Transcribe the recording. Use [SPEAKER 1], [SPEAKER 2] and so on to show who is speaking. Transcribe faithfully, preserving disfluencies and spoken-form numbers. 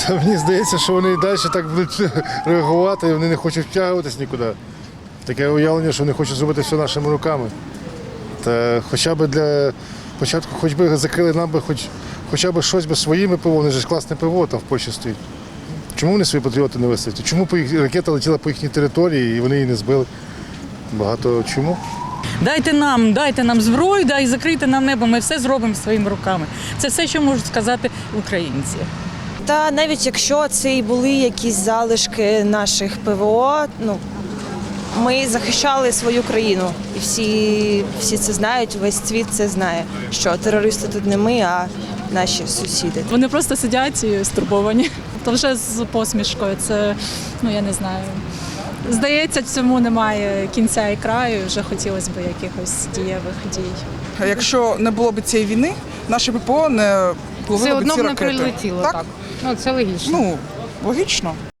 [SPEAKER 1] Та мені здається, що вони і далі так будуть реагувати, і вони не хочуть втягуватись нікуди. Таке уявлення, що вони хочуть зробити все нашими руками. Та хоча б для початку, хоч би закрили нам би хоч, хоча б щось би своїми ПВО, вони ж класне ПВО там в Польщі стоїть. Чому вони свої патріоти не висадять? Чому по їх, ракета летіла по їхній території і вони її не збили? Багато чому?
[SPEAKER 2] Дайте нам, дайте нам зброю, дай закрийте нам небо, ми все зробимо своїми руками. Це все, що можуть сказати українці.
[SPEAKER 3] Та навіть якщо це і були якісь залишки наших ПВО, ну, ми захищали свою країну. І всі, всі це знають, весь світ це знає, що терористи тут не ми, а наші сусіди.
[SPEAKER 4] Вони просто сидять і стурбовані. То вже з посмішкою, це, ну я не знаю. Здається, цьому немає кінця і краю, вже хотілося б якихось дієвих дій.
[SPEAKER 5] Якщо не було б цієї війни, наше ППО не
[SPEAKER 6] Все
[SPEAKER 5] ловило б
[SPEAKER 6] одно
[SPEAKER 5] ці
[SPEAKER 6] б не
[SPEAKER 5] ракети.
[SPEAKER 6] прилетіло,
[SPEAKER 5] Так?
[SPEAKER 6] так. Ну, це логічно.
[SPEAKER 5] Ну, логічно.